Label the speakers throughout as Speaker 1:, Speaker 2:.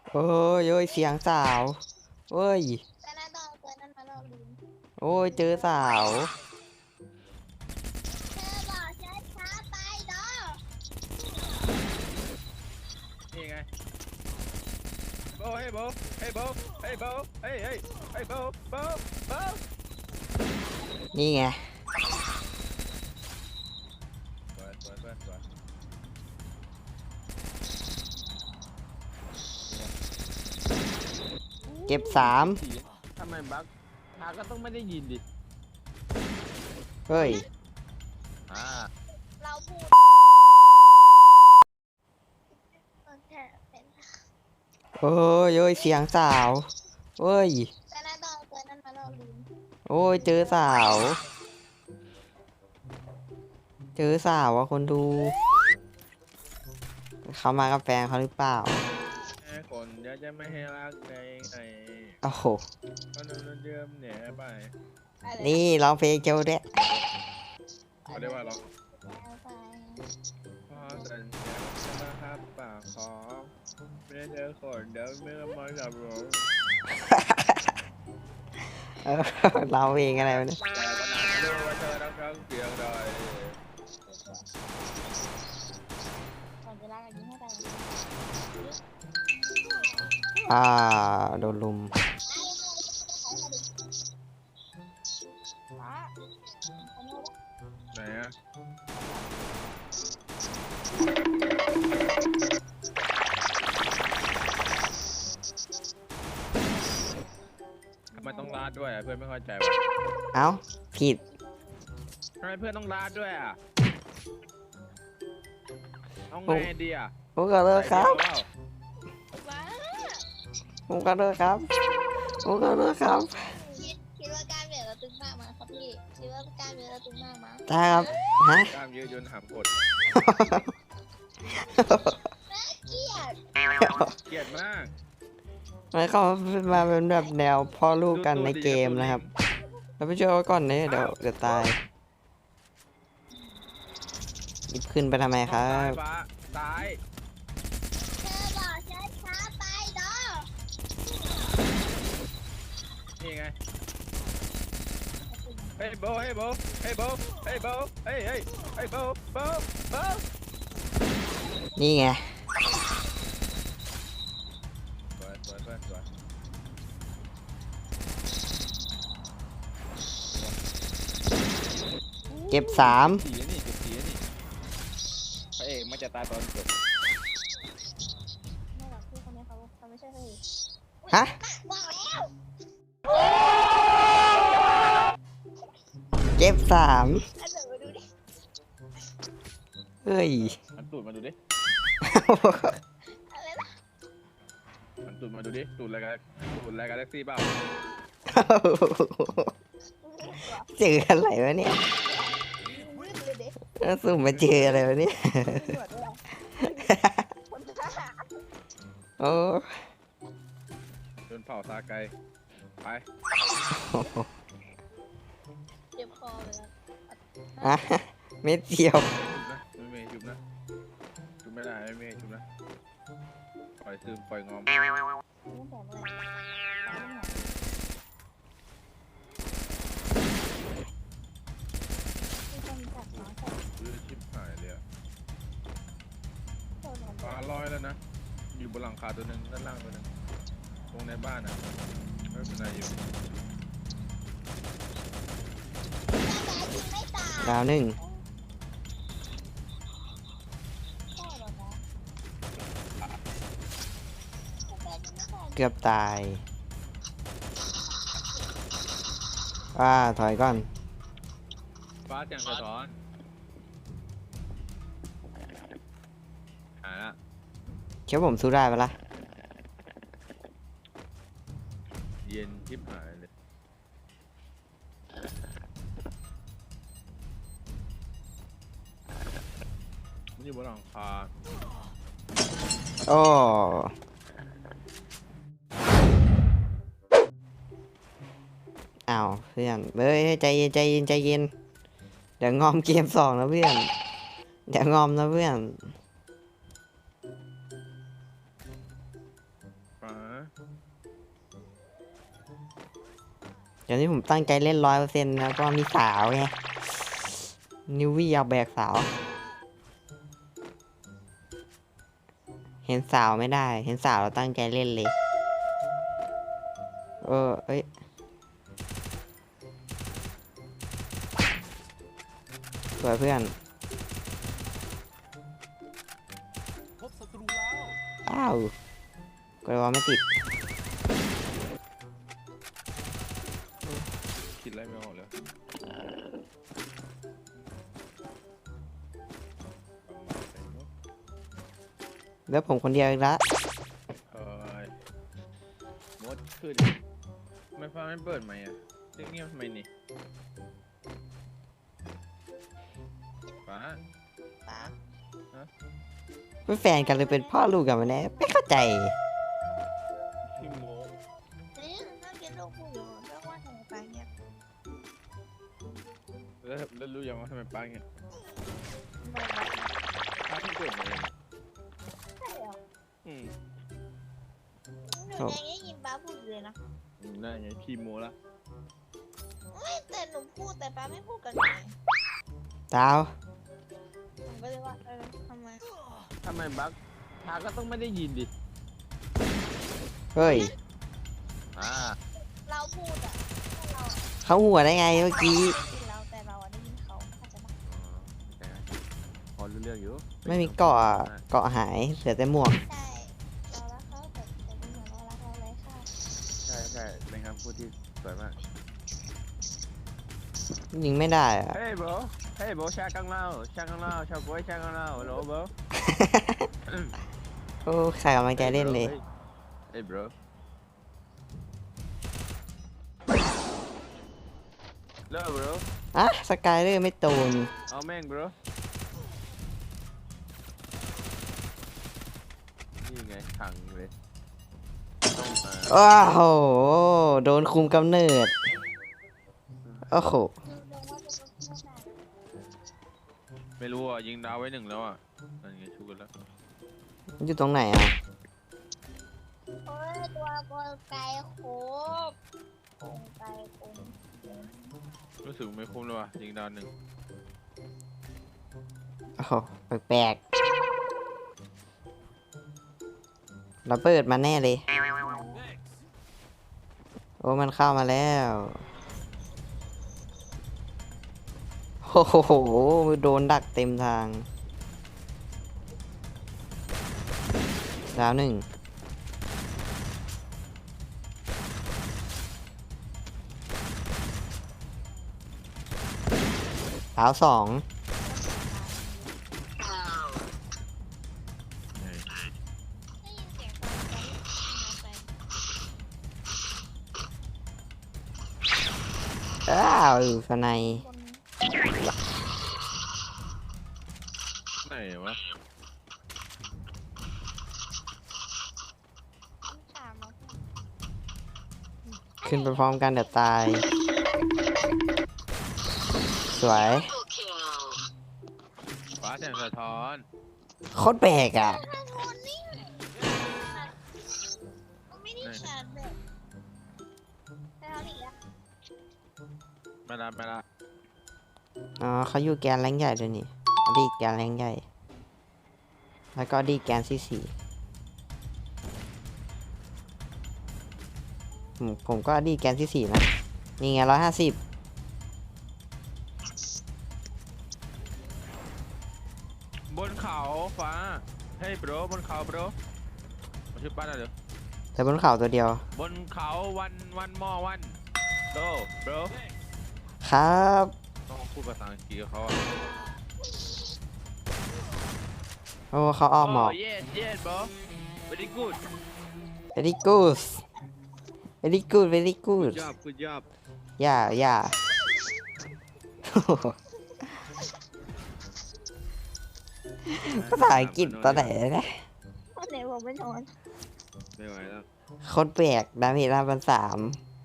Speaker 1: โอ้ยโอ้ยเสียงสาวโอ้ย
Speaker 2: แต่หน้าต้องเอาตัวนั้นมาลอกลืม
Speaker 1: โอ้ยเจอสาว
Speaker 2: เธอบอกช้าช้าไปดอ
Speaker 3: นี่ไงโบเฮ้ยโบเฮ้ยโบเฮ้ยโบเฮ้ยเฮ้ยเฮ้ยโบโบโบ
Speaker 1: นี่ไง
Speaker 3: สวยสวยสวยสวย
Speaker 1: เก็บสาม
Speaker 3: ทำไมบักพาก็ต้องไม่ได้ยินดิ
Speaker 1: เฮ้ย
Speaker 3: อ่า
Speaker 2: เราพูดโอเคเป็น
Speaker 1: โอ้ยโอ้ยเสียงสาวโอ้ย
Speaker 2: แต่หน้าต้องเอาตัวนั้นมาลอกลืม
Speaker 1: โอ้ยเจอสาวเจอสาวว่ะคนดูเขามากับแฟนเขาหรือเปล่า
Speaker 3: คนเดี๋ยวจะไม่ให้รักในไง
Speaker 1: โอ้โห
Speaker 3: ก็นอนเดิมเนี่ยไป
Speaker 2: อะไร
Speaker 1: นี่ร้องเพลงเจ้าเด้
Speaker 3: เขาเรียกว่าหรอ
Speaker 2: แล้วไป
Speaker 3: พอสัญญาจะมาหับปากขอไม่ได้เจอคนเดี๋ยวไม่ต้องมาจับหรอก
Speaker 1: เออร้องเพลงอะไรวะเนี่ย
Speaker 3: แต่ก็นานรู้ว่าเธอรักทั้งเพียงใด
Speaker 2: ก่อนเวลากันยิงให้ไป
Speaker 1: อ่าโดนลุม
Speaker 2: ฟ้าขโมย
Speaker 3: ไหนอะทำไมต้องลาดด้วยอะเพื่อนไม่เข้าใจว่ะ
Speaker 1: เอ้าผิด
Speaker 3: ทำไมเพื่อนต้องลาดด้วยอะเอาไงดีอะ
Speaker 1: ผมก็เลิกครับ
Speaker 3: ใส่เดียวเปล่า
Speaker 2: ฟ้า
Speaker 1: ผมก็เลิกครับผมก็เลิกครับ
Speaker 2: คิดว่าการเบียดเราตึงมากมั้ยครับพี่คิดว่าการเบียดเราตึงมากมั้ย
Speaker 1: ได้ครับฮะ
Speaker 3: กล้ามยืดยนหามกด
Speaker 2: เกลียด
Speaker 3: เกลียดมาก
Speaker 1: มันเข้ามาเป็นแบบแนวพ่อลูกกันในเกมนะครับเราไปช่วยเขาก่อนเนี่ยเดี๋ยวตายหยิบขึ้นไปทำไมครับ
Speaker 3: ฟ้าซ้าย
Speaker 2: เธอบอกช้าช้าไปดอ
Speaker 3: นี่ไงเฮ้ยโบเฮ้ยโบเฮ้ยโบเฮ้ยโบเฮ้ยเฮ้ยเฮ้ยโบโบโบ
Speaker 1: นี่ไง
Speaker 3: สวยสวยสวยสวย
Speaker 1: เก็บสาม
Speaker 3: สีนี่เก็บสีนี่พระเอกมันจะตายตอนจบ
Speaker 2: ไม่หรอกพี่คนนี้เขาไม่ใช่เฮ้ย
Speaker 1: ฮะ
Speaker 2: บอกแล้ว
Speaker 1: เก็บสาม
Speaker 2: อันเดี๋ยวมาดูดิ
Speaker 1: เฮ้ย
Speaker 3: มันตูดมาดูดิ
Speaker 2: อะไรนะ
Speaker 3: มันตูดมาดูดิตูดอะไรกันตูดอะไรกันแท็กซี่เปล่า
Speaker 1: เจออะไรวะเนี่ย
Speaker 2: มืดเลยเด็ก
Speaker 1: สุ่มมาเจออะไรวะเนี่ย
Speaker 2: ตำรวจด้วยคนทหาร
Speaker 1: โอ้
Speaker 3: โดนเผาซาไกไป
Speaker 2: เจ็บคอเลยนะ
Speaker 1: อะเม็ดเดียว
Speaker 3: จุบนะไม่เมย์จุบนะจุบไม่ได้ไม่เมย์จุบนะปล่อยซึมปล่อยงอม
Speaker 2: ตั้งแต่เมื่อไหร่ตายตั้งแต่ที่คนจับน้องจับ
Speaker 3: ชิบหายเลยอะ
Speaker 2: โดนมัน
Speaker 3: ฟ้าลอยแล้วนะอยู่บนหลังคาตัวหนึ่งด้านล่างตัวหนึ่งตรงในบ้านอ่ะไม่เป็นไรอยู่
Speaker 2: ไม่ตาย
Speaker 1: ดาวหนึ่ง
Speaker 2: ใช่หรอนะ
Speaker 1: เกือบตายถอยก่อน
Speaker 3: ฟ้าแจ่งสะท้อนหายละ
Speaker 1: เชื่อผมสู้ได้ปะล่ะ
Speaker 3: เย็นชิบหายเลยมันอยู่บนหลังคา
Speaker 1: โอ้อ้าวเพื่อนเฮ้ยใจเย็นใจเย็นใจเย็นเดี๋ยวงอมเกมสองนะเพื่อนเดี๋ยวงอมนะเพื่อน
Speaker 3: ฟ้า
Speaker 1: เดี๋ยวนี้ผมตั้งใจเล่น100%แล้วก็มีสาวไงนิววี่อยากแบกสาว เห็นสาวไม่ได้ เห็นสาวเราตั้งใจเล่นเลย เอ้ย สวยเพื่อน
Speaker 4: พบศัตรูแล้ว
Speaker 1: อ้าวกระวาไม่ติด
Speaker 3: คิดอะไรไม่ออกเลย
Speaker 1: แล้วผมคนเดียวอีกละ
Speaker 3: เฮ้ยมดขึ้นไม่ฟังไม่เปิดไหมอ่ะเงียบๆทำไมนี่ฟ้า
Speaker 2: ป้า
Speaker 1: เป็นแฟนกันเลยเป็นพ่อลูกกันมาแน่ไม่เข้าใจ
Speaker 3: พี่โม
Speaker 2: นี่น่ากินลูกผู้อยู่เรื่องว่าทำไมป้าเงียบ
Speaker 3: แล้วรู้ยังว่าทำไมป้าเงี้ย
Speaker 2: ไม่รู้
Speaker 3: ป้าเพิ่งเกิดมาเอง
Speaker 2: ใช่เหรอ
Speaker 3: อืม
Speaker 2: หนูยังได้ยินป้าพูดอยู่เลยนะ
Speaker 3: นั่นไงพี่โมละ
Speaker 2: ไม่แต่หนูพูดแต่ป้าไม่พูดกับหนูไง
Speaker 1: ดาว
Speaker 2: ผมก็เลยว่าทำไม
Speaker 3: ทำไมบักพาก็ต้องไม่ได้ยินดิ
Speaker 1: เฮ้ย
Speaker 2: เราพูดอ่ะเรา
Speaker 1: เขาหัวได้ไงเมื่อกี้
Speaker 2: เราแต่เราได้ยินเขาอาจจะแบบ
Speaker 3: พอรู้เรื่องอยู่
Speaker 1: ไม่มีเกาะหายเหลือแต่หมวก
Speaker 2: ใช่เรารักเขาแต่เป็นเหมือนเรารักเราเลยค่ะ
Speaker 3: ใช่ใช่เป็นคำพูดที่สวยมาก
Speaker 1: ยิงไม่ได้อะ
Speaker 3: เฮ้ยโบเฮ้ยโบชากังเล่าชากังเล่าชาวกล้วยชากังเล่าโหลโบ
Speaker 1: โอ้ใครกำลังใจเล่นเลย
Speaker 3: เฮ้ย bro เลิก bro
Speaker 1: อ่ะสกายเลอร์ไม่ตูน
Speaker 3: เอาแม่ง bro นี่ไงขังเลยต้องมา
Speaker 1: ว้าวโหโดนคุมกำเนิด โอ้โห
Speaker 2: คือลงว่าจะเป็นเพื่อนแบบ
Speaker 3: ไม่รู้อ่ะยิงดาวไว้1แล้วอ่ะนั่นไงชูกันแล้ว
Speaker 1: อยู่ตรงไหนอ่ะ
Speaker 2: โอ้ยตัวกลไกโคบกลไกโคบ
Speaker 3: รู้สึกไม่คุ้มเลยว่ะยิงดาว1
Speaker 1: โอ้โหแปลกๆระเบิดมาแน่เลย โอ้มันเข้ามาแล้วโอ้โหโดนดักเต็มทาง ดาว1ดาว2
Speaker 2: ได้ยินเสียงตอนใจ
Speaker 1: อ้าวสไน
Speaker 2: คน
Speaker 3: ไหนวะ
Speaker 2: ต้องถามมา
Speaker 1: ขึ้นไปพร้อมกันเดี๋ยวตาย สวย
Speaker 3: ฟ้าแสงสะท้อน
Speaker 1: โคตรแปลกอ่ะ
Speaker 2: ถ้าโทนนี่มันไม่ได้ชาร์จแบบแต่เขาหนีแล้ว
Speaker 3: ไม่ละ
Speaker 1: อ๋อเขาอยู่แกนแรงใหญ่ด้วยนี่อดีแกนแรงใหญ่ แล้วก็อดีแกนที่4ผมก็อดีแกนที่4นะ นี่ไง150
Speaker 3: บนเขาฟ้าเฮ้ย bro บนเขา bro มาชื่อป้าหน่อยเดี๋ยว
Speaker 1: แต่บนเขาตัวเดียว
Speaker 3: บนเขาวันมอวันโต bro
Speaker 1: ครับ
Speaker 3: ต้องพูดภาษาอังกฤษกับเขาอ่ะ
Speaker 1: โอ้เขาอ้อมหมอก
Speaker 3: yes bro very good
Speaker 1: very good very good very good
Speaker 3: good job
Speaker 1: อย่า ภาษาอังกฤษตอนไหนนะ
Speaker 2: วันไหนผมไม่นอน
Speaker 3: ไม่ไหวแล้ว
Speaker 1: โคตรแปลกดาเมจ5,300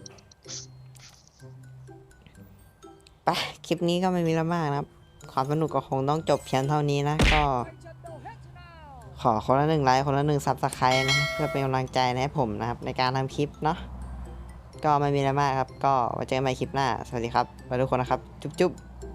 Speaker 1: ไปคลิปนี้ก็ไม่มีแล้วมากนะครับ ความสนุกก็คงต้องจบเพียงเท่านี้นะ ก็ขอคนละ1 ไลค์คนละ1 ซับสไครต์นะครับเพื่อเป็นกำลังใจให้ผมนะครับในการทำคลิปเนาะก็ไม่มีอะไรมากครับก็ไว้เจอกันใหม่คลิปหน้าสวัสดีครับไปทุกคนนะครับจุ๊บ